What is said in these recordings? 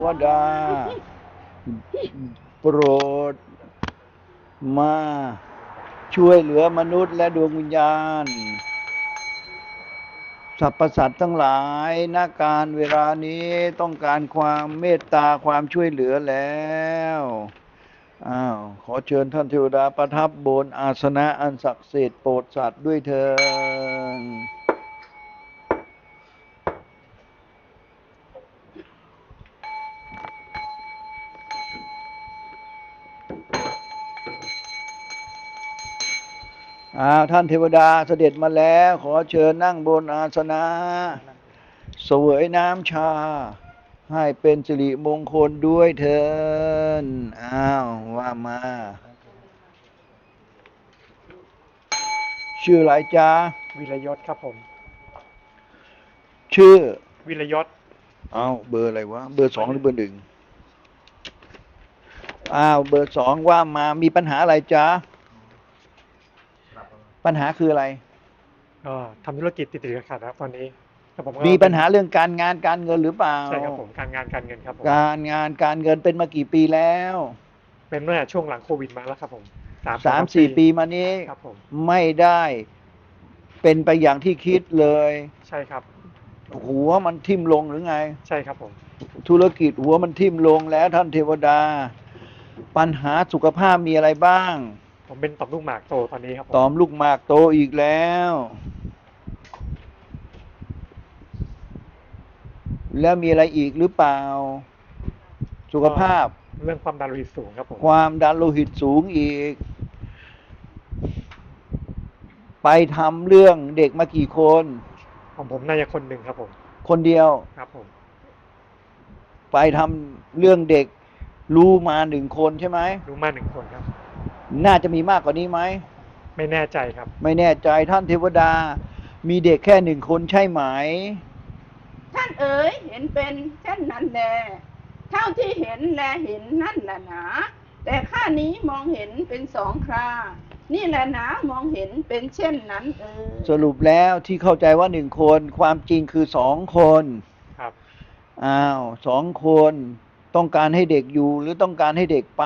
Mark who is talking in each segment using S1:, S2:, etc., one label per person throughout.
S1: วดาโปรดมาช่วยเหลือมนุษย์และดวงวิญญาณสรรพสัตว์ทั้งหลายณการเวลานี้ต้องการความเมตตาความช่วยเหลือแล้วขอเชิญท่านเทวดาประทับบนอาสนะอันศักดิ์สิทธิ์โปรดสัตว์ด้วยเถิดท่านเทวดาเสด็จมาแล้วขอเชิญนั่งบนอาสนะเสวยน้ำชาให้เป็นสิริมงคลด้วยเถิดว่ามาชื่ออะไรจ๊ะ
S2: วิรยศครับผม
S1: ชื่อ
S2: วิรยศ
S1: เบอร์อะไรวะเบอร์2หรือเบอร์1เบอร์2ว่ามามีปัญหาอะไรจ๊ะปัญหาคืออะไร
S2: ทำธุรกิจติดขัดครับตอนนี้ครับผม
S1: มีปัญหาเรื่องการงานการเงินหรือเปล่า
S2: ใช่ครับผมการงานการเงินครับผม
S1: การงานการเงินเป็นมากี่ปีแล้ว
S2: เป็นเมื่อช่วงหลังโควิดมาแล้วครับผม
S1: 3-4 ปีมานี้
S2: ครับผม
S1: ไม่ได้เป็นไปอย่างที่คิดเลย
S2: ใช่ครับ
S1: หัวมันทิ่มลงหรือไง
S2: ใช่ครับผม
S1: ธุรกิจหัวมันทิ่มลงแล้วท่านเทวดาปัญหาสุขภาพมีอะไรบ้าง
S2: ผมเป็นต่อมลูกหมากโตตอนนี้ครับ
S1: ต่อมลูกหมากโตอีกแล้วแล้วมีอะไรอีกหรือเปล่าสุขภาพ
S2: เรื่องความดันโลหิตสูงครับผม
S1: ความดันโลหิตสูงอีกไปทำเรื่องเด็กมากี่คน
S2: ของผมน่าจะคนหนึ่งครับผม
S1: คนเดียว
S2: ครับผม
S1: ไปทำเรื่องเด็กรู้มา1 คนใช่ไหม
S2: รู้มา1 คนครับ
S1: น่าจะมีมากกว่านี้ไหม
S2: ไม่แน่ใจครับ
S1: ไม่แน่ใจท่านเทวดามีเด็กแค่1 คนใช่ไหม
S3: ท่านเอ๋ยเห็นเป็นเช่นนั้นแลเท่าที่เห็นแลเห็นนั่นแหละหนาแต่ข้านี้มองเห็นเป็น2 ครานี่แหละหนามองเห็นเป็นเช่นนั้น
S1: สรุปแล้วที่เข้าใจว่า1 คนความจริงคือ2 คน
S2: ครับ
S1: 2 คนต้องการให้เด็กอยู่หรือต้องการให้เด็กไป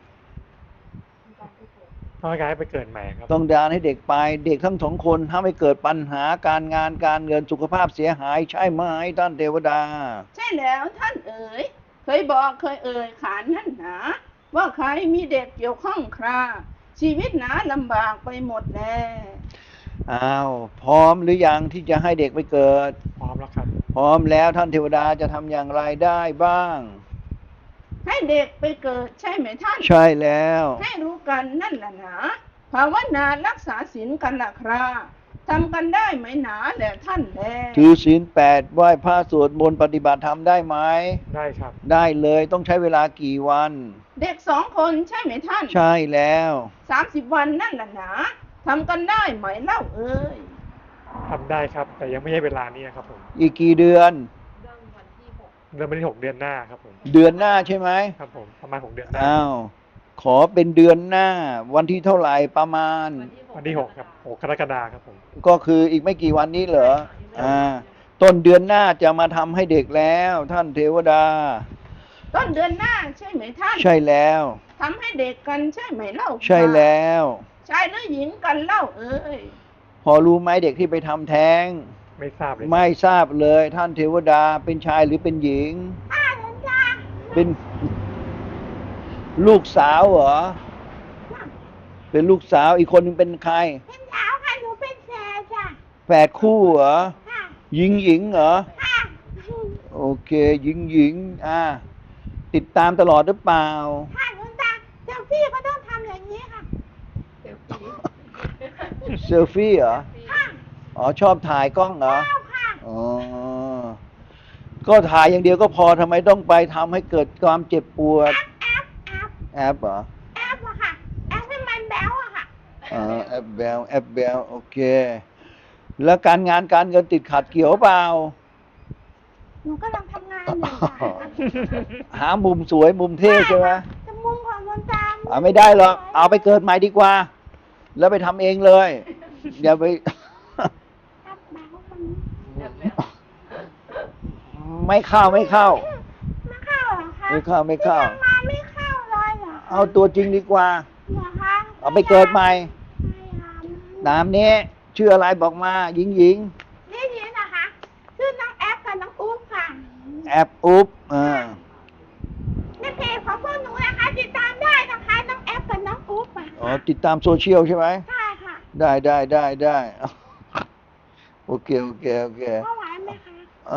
S2: ต้องการให้ไปเกิดใหม่ครับ
S1: ต้องการให้เด็กไปเด็กทั้ง2 คนถ้าไม่เกิดปัญหาการงานการเงินสุขภาพเสียหายใช่ไหมท่านเทวดา
S3: ใช่แล้วท่านเอ๋ยเคยบอกเคยเอ่ยขานนั่นหนาว่าใครมีเด็กเกี่ยวข้องคราชีวิตหนาลำบากไปหมดแน่
S1: พร้อมหรือยังที่จะให้เด็กไปเกิด
S2: พร้อมแล้วครับ
S1: พร้อมแล้วท่านเทวดาจะทำอย่างไรได้บ้าง
S3: ให้เด็กไปเกิดใช่ไหมท่าน
S1: ใช่แล้ว
S3: ให้รู้กันนั่นแหละหนาภาวนารักษาศีลกันล่ะครับทำกันได้ไหมหนาแหละท่านแล
S1: ถือศีล8ไหว้พระสวดมนต์ปฏิบัติธรรมได้ไหม
S2: ได้ครับ
S1: ได้เลยต้องใช้เวลากี่วัน
S3: เด็ก2 คนใช่ไหมท่าน
S1: ใช่แล้ว
S3: 30 วันนั่นแหละหนาทำกันได้ไหมเล่าเอ้ย
S2: ทำได้ครับแต่ยังไม่ใช่เวลานี้ครับผม
S1: อีกกี่เดือน
S2: เดือนวันที่6เดือนหน้าครับผม
S1: เดือนหน้าใช่ไหม
S2: ครับผมประมาณ6เดือนหน้า
S1: ขอเป็นเดือนหน้าวันที่เท่าไหร่ประมาณ
S2: วันที่6ครับ6กรกฎาคมครับผม
S1: ก็คืออีกไม่กี่วันนี้เหรอต้นเดือนหน้าจะมาทำให้เด็กแล้วท่านเทวดา
S3: ต้นเดือนหน้าใช่ไหมท่าน
S1: ใช่แล้ว
S3: ทำให้เด็กกันใช่ไหมเล่า
S1: ใช่แล้ว
S3: ชายหรือหญิงกันเล่าเอ้ย
S1: พอรู้ไหมเด็กที่ไปทำแท้ง
S2: ไม่ทราบเลย
S1: ไม่ทราบเลยท่านเทวดาเป็นชายหรือเป็นหญิงเป็นลูกสาวเหรอเป็นลูกสาวอีกคนนึงเป็นใคร
S3: เป็นสาวค่ะหนูเป็นแฝดจ้ะ
S1: แฝดคู่เหรอหญิงเหรอโอเคหญิงติดตามตลอดหรือเปล่า
S3: ค่ะคุณตาเซลฟี่ก็ต้องทำอย่างนี้ค่ะ
S1: เซลฟี่เหรอชอบถ่ายกล้องเหรอก็ถ่ายอย่างเดียวก็พอทำไมต้องไปทำให้เกิดความเจ็บปวดแอปเหรอ
S3: แอปอะค่ะแอปให้มันแบ๊วอะค่ะ
S1: แอปแบลโอเคแล้วการงานการเงินติดขัดเกี่ยวเปล่า
S3: หนูกำลังทำงานอยู่
S1: หามุมสวยมุมเท่ใช่ไหม
S3: จะมุมของคนตาม
S1: ไม่ได้หรอกเอาไปเกิดใหม่ดีกว่าแล้วไปทำเองเลยอย่าไปไม่เข้า
S3: ไม่เข้าเหรอ
S1: ไม่เข้าไม่เข้า
S3: ที่ยังมาไม่เข้าเลยเหรอคะ
S1: เอาตัวจริงดีกว่า
S3: เหรอคะ
S1: เอาไปเกิดใหม่
S3: ไม่ยอม
S1: ตามนี้ชื่ออะไรบอกมาหญิงหญิง
S3: นี่นะคะชื่อน้องแอปกับน้องอุ๊บค่ะ
S1: แอบอุ๊บ
S3: ในเพจของพวกหนูนะคะติดตามได้นะคะน้องแอปกับน้องอุ๊บอะ
S1: อ๋อติดตามโซเชียลใช่ไหม
S3: ใช่ค่ะ
S1: ได้โอเค
S3: เข้าไหวไหมคะ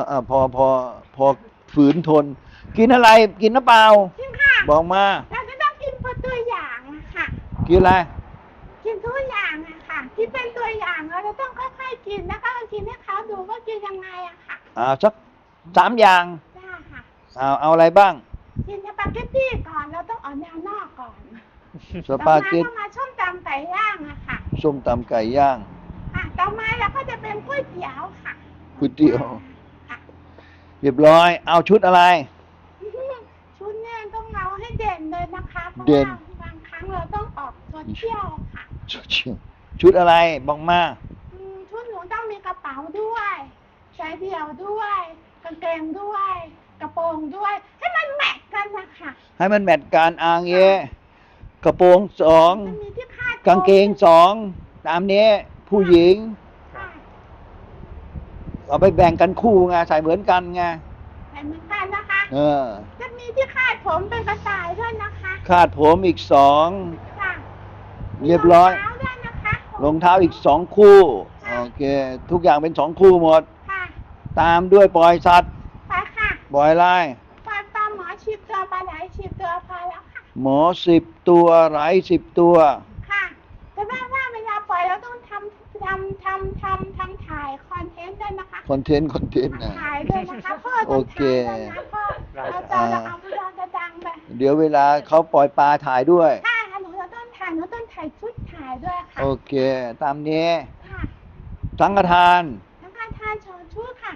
S1: พอฝืนทน กินอะไรกินน้ำเปล่า
S3: จริงค่ะ
S1: บอกมา
S3: เราจะต้องกินเป็นตัวอย่างอะค่ะ
S1: กินอะไร
S3: กินทุกอย่างอะค่ะที่เป็นตัวอย่างเราจะต้องค่อยๆกินแล้วก็กินให้เขาดูว่ากินยังไงอะค่ะ
S1: สัก3 อย่าง
S3: ได้ค่ะ
S1: เอาอะไรบ้าง
S3: กินสปาเกตตี้ก่อนเราต้องเอาแนวนอกก่อน
S1: สปาเกต
S3: ต่อมาส้มตำไก่ย่างอะค่ะ
S1: ส้มตำไก่ย่าง
S3: ต่อมาเราก็จะเป็นก๋วยเตี๋ยวค่ะ
S1: ก๋วยเตี๋ยว
S3: ค่ะ
S1: เรียบร้อย เอาชุดอะไร
S3: ชุดเนี่ยต้องเอาให้เด่นเลยนะคะเพราะ
S1: เด่
S3: ว่าน บางครั้งเราต้องออกตัวเที่ยวค่ะ
S1: ชุดอะไรบอกมา
S3: ชุดหนูต้องมีกระเป๋าด้วยสายเดี่ยวด้วยกางเกงด้วย กระโปรงด้วย ให้มันแมทกันนะคะ
S1: ให้มันแมทการอางเกระโปรง
S3: มันมีที่คาด
S1: 2กางเกง2ตามนี้ผู้หญิง
S3: ค่ะ
S1: เอาไปแบ่งกันคู่ไงใส่เหมือนกันไง
S3: ใส่เหมือนกันนะคะ จะมีที่คาดผมเป็นกระต่ายด้วยนะคะ
S1: คาดผมอีก
S3: ค่ะ
S1: เรียบร้อย
S3: มีรองเท้าด้วยนะคะ
S1: 2รองเท้าอีก2 คู่โอเค ทุกอย่างเป็น2 คู่หมด
S3: ค่ะ
S1: ตามด้วยปล่อยสัตว์
S3: ไปค่ะ
S1: ปล่อยลาย
S3: ปลาหมอ10 ตัวปลาไหล10 ตัวพอแล้วค่ะ
S1: หมอ10 ตัวไหล10 ตัว
S3: ค่ะแต่ว่าเวลาปล่อยเราต้องทำถ่ายคอนเทนต์ด้วยนะคะ
S1: คอนเทนต์นะ
S3: ถ่ายด้วยนะคะพ่อ
S1: โอ
S3: ต้อง
S1: เค
S3: ถ่ายด้วยนะพ่อเราเอาไปเราจะดังไป
S1: เดี๋ยวเวลาเขาปล่อยปลาถ่ายด้วย
S3: ใช่ค่ะหนูจะต้องถ่ายชุดถ่ายด้วยค่ะ
S1: โอเค ตามนี้
S3: ค่ะ
S1: สังฆทาน
S3: ทั้งการทานโชว์ชุดค่ะ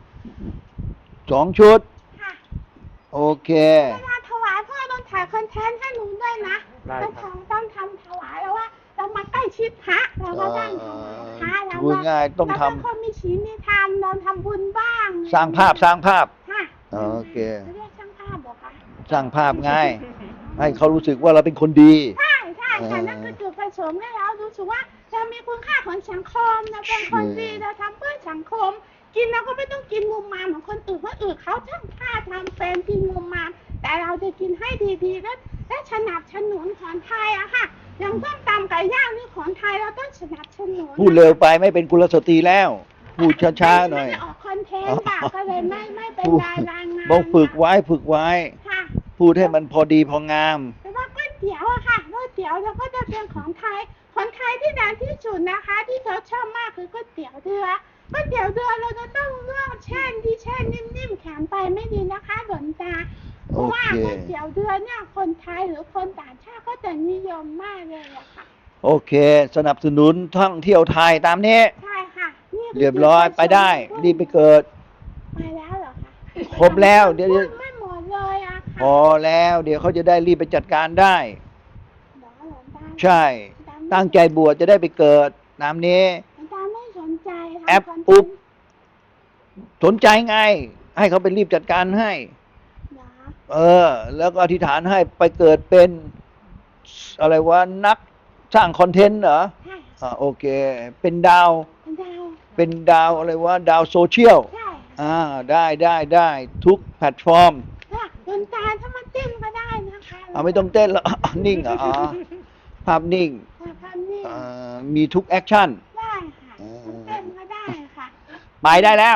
S1: 2 ชุด
S3: ค่ะ
S1: โอเค
S3: เวลาถวายพ่อต้องถ่ายคอนเทนต์ให้หนูด้วยนะ
S2: ได้
S3: ต้องทำถวายแล้วว่าเรามาใกล้ชิดพระเราก็ต้องถวายพระเรา
S1: พูดง่ายต้องทำ
S3: เราเป็นคนมีศีลมีธรรมเราทำบุญบ้าง
S1: สร้างภาพ
S3: ค่ะ
S1: โอเค
S3: เรียกช่างภาพเหรอคะ
S1: สร้างภาพง่ายให้เขารู้สึกว่าเราเป็นคนดี
S3: ใช่ค่ะนั่นคือจุดประสงค์ให้เรารู้สึกว่าเรามีคุณค่าของสังคมเราเป็นคนดีเราทำเพื่อสังคม กินเราก็ไม่ต้องกินมุมมามเหมือนคนอื่นเขาช่างค่าทำเป็นกินมุมมามแต่เราจะกินให้ดีๆและสนับสนุนของไทยอะค่ะอย่างส้มตำไก่ย่างนี่ของไทยเราต้องสนับสนุน
S1: พูดเร็วไปไม่เป็นกุลสตรีแล้ว พูดช้าๆหน่อย
S3: ไม่ได้ออกคอนเทนต์ค่ะก็เลยไม่เป็นรายงาน
S1: บอกฝึกไว้
S3: ค่ะ
S1: พูดให้มันพอดีพองาม
S3: แต่ว่าก๋วยเตี๋ยวอะค่ะก๋วยเตี๋ยวเราก็จะเป็นของไทยที่ดังที่สุดนะคะ ที่เขาชอบมากคือก๋วยเตี๋ยวเรือก๋วยเตี๋ยวเรือเราจะต้องเลือกแช่นิ่มๆแข็งไปไม่ดีนะคะหลวงตาเพราะว่า
S1: โอเค
S3: ก๋วยเตี๋ยวเรือเนี่ยคนไทยหรือคนต่างชาติก็จะนิยมมากเลยอะค่ะ
S1: โอเค สนับสนุนท่องเที่ยวไทยตามนี้
S3: ใช่ค่ะนี่คื
S1: เรียบร้อยไปได้ รีบไปเกิด
S3: ไปแล้วเหรอคะ
S1: ครบแล้วเดี๋ยว
S3: พูไม่หมดเลยอะ
S1: พอแล้วเดี๋ยวเขาจะได้รีบไปจัดการได้
S3: เหรอหลวงตา
S1: ใช่ ตั้งใจบวชจะได้ไปเกิดตามนี้
S3: หลวงตาไม่สนใจทำ
S1: แอป
S3: คอนเทนต์
S1: อุ๊บ สนใจไง ให้เขาไปรีบจัดการให้
S3: เหรอ
S1: แล้วก็อธิษฐานให้ไปเกิดเป็นอะไรวะนักสร้างคอนเทนต์เหรอ
S3: ใช่
S1: โอเค เป็นดาว
S3: เป็นดาว
S1: อะไรวะดาวโซเชียล
S3: ใช่
S1: ได้ทุกแพลตฟอร์ม
S3: ค่ะหลวงตาถ้ามาเต้นก็ได้นะคะ
S1: ไม่ต้องเต้นแล้ว นิ่งเหรอภาพนิ่ง
S3: ค่ะภาพนิ่ง
S1: มีทุกแอคชั่น
S3: ได้ค่ะเต้นก็ได้ค่ะ
S1: ไปได้แล้ว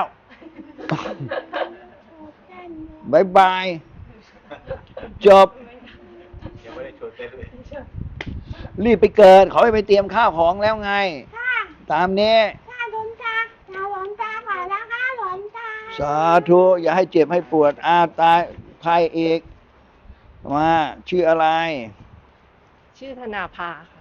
S3: เต้น
S1: บายบาย จบ
S4: ยังไม่ได้ชวนเต้นเลย
S1: รีบไปเกิด เขาให้ไปเตรียมข้าวของแล้วไง
S3: ค่ะ
S1: ตามนี้
S3: ค่ะหลวงตาหลวงตาขอแล้วค่ะหลวงตา
S1: สาธุ อย่าให้เจ็บให้ปวด ตายใครอีกมาชื่ออะไร
S5: ชื่อธนาภาค่ะ